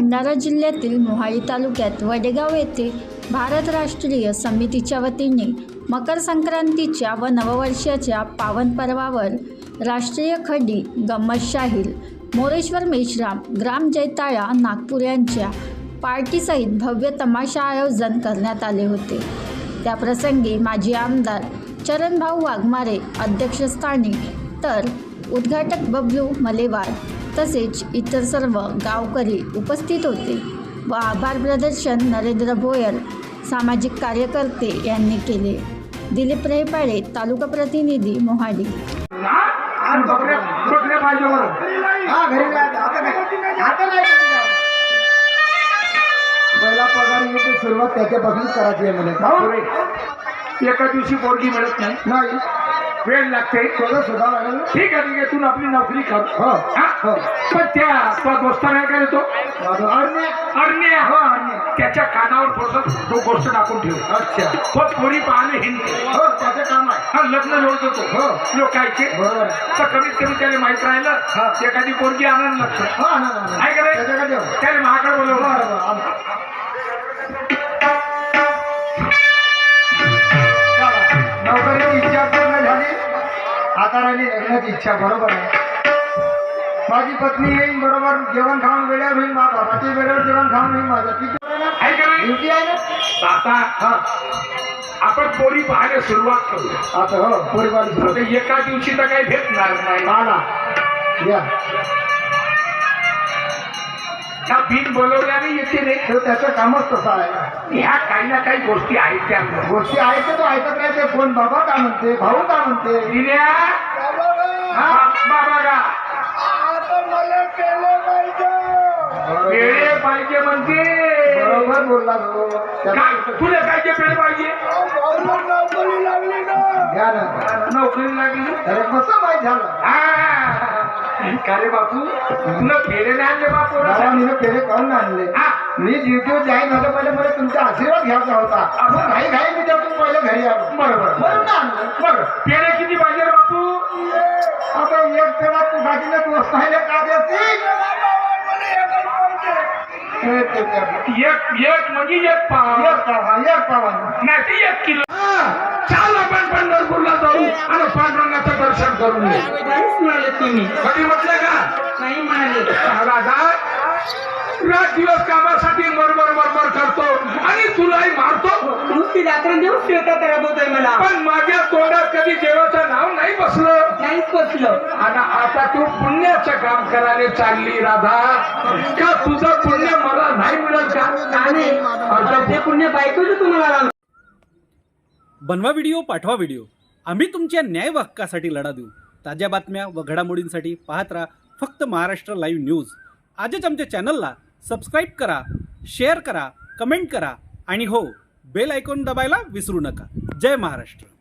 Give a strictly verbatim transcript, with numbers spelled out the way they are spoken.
भंडारा जिल्ह्यातील मोहाडी तालुक्यात वडेगाव येथे भारत राष्ट्रीय समितीच्या वतीने मकर संक्रांतीच्या व नववर्षाच्या पावन पर्वावर राष्ट्रीय खडी गंमत शाहीर मोरेश्वर मेश्राम ग्राम जैताळा नागपूर यांच्या पार्टीसहित भव्य तमाशा आयोजन करण्यात आले होते। त्याप्रसंगी माजी आमदार चरणभाऊ वाघमारे अध्यक्षस्थानी तर उद्घाटक बबलू मलेवार तसेच इतर सर्व गावकरी उपस्थित होते व आभार प्रदर्शन नरेंद्र भोयर सामाजिक कार्यकर्ते यांनी केले। दिलीप रेपाळे तालुका प्रतिनिधी मोहाडी। पहिला पगार येते सुरुवात त्याच्यापासून करायची आहे मला। एका दिवशी पोरगी मिळत नाही नाही वेळ लागते शोधा शोधा लागेल। ठीक आहे ठीक आहे तू आपली नोकरी कर हो हो पण त्या तो दोस्ताला काय तो अरण्य अरण्य हो अरण्य त्याच्या कानावर थोडस तो गोष्ट टाकून ठेव। अच्छा तो पोरी पाहणे हिंदू हो त्याचं काम आहे। हा लग्न लोळतो तो हो लोकायचे बरोबर तर कमीत कमी त्याला माहित राहिलं एखादी पोरगी आनंद लक्ष हो ना ना आहे का रे त्याच्याकडे त्याला महाकडे बोलवलं नोकरीची इच्छा पूर्ण झाली आता राहिली लग्नाची इच्छा। बरोबर आहे माझी पत्नी येईन बरोबर जेवण खाऊन वेळेवर होईल माझ्या बाबाची वेळेवर जेवण खाऊन होईल माझं किती आहे का नाही ड्युटी आहे ना आता हा आपण पोरी पाहायला सुरुवात करू। आता हो परिवार आता एका दिवशी तर काही भेटणार नाही आला या त्या बिन बोलवल्याने येते रे तर त्याचं कामच तसं आहे। ह्या काही ना काही गोष्टी आहेत त्या गोष्टी ऐकतो तो ऐकत नाही ते कोण बाबा का म्हणते भाऊ का म्हणते दिल्या हा बाबा का पेढे पाहिजे म्हणते बरोबर बोलला तो काय तुला काय जे पेढे पाहिजे घ्या ना नोकरी लागली अरे कसं माहीत झालं हा का रे बापू तुला पेढे नाही आणले बापू बाबा मी पेढे काढून आणले। हा मी ड्युटीवर जाईन झालं पहिले मला तुमचा आशीर्वाद घ्यायचा होता मग घाई घाई मी त्यातून पहिले घरी आलो बरोबर म्हणून आणलं। बरं पेढे किती पाहिजे रे बापू आता एक पेढा तू बाकीला तू पाहिले का देते एक एक म्हणजे एक पाव एक पावा एक पावा नाही ते एक किलो चाल आपण पंढरपूरला जाऊ आणि पांडुरंगाचं दर्शन करून येऊ। काहीच म्हणाले तुम्ही कधी म्हटलं का नाही म्हणाले राधा रात दिवस कामासाठी मरमर मरमर करतो आणि तुलाही मारतो नुसती रात्रंदिवस शेतात राबवतोय मला पण माझ्या तोंडात कधी देवाचं नाव नाही बसलं नाहीच बसलं आणि आता तू पुण्याचं काम करायला चालली राधा का तुझं पुण्य मला नाही मिळेल का आणि ते पुण्य बायकोच तुम्हाला लागलं। बनवा व्हिडिओ पाठवा व्हिडिओ आम्ही तुमच्या न्याय हक्कासाठी लढा देऊ। ताज्या बातम्या व घडामोडींसाठी पाहत राहा फक्त महाराष्ट्र लाईव्ह न्यूज। आजच आमच्या चॅनलला सबस्क्राईब करा, शेअर करा, कमेंट करा आणि हो बेल आयकॉन दबायला विसरू नका। जय महाराष्ट्र।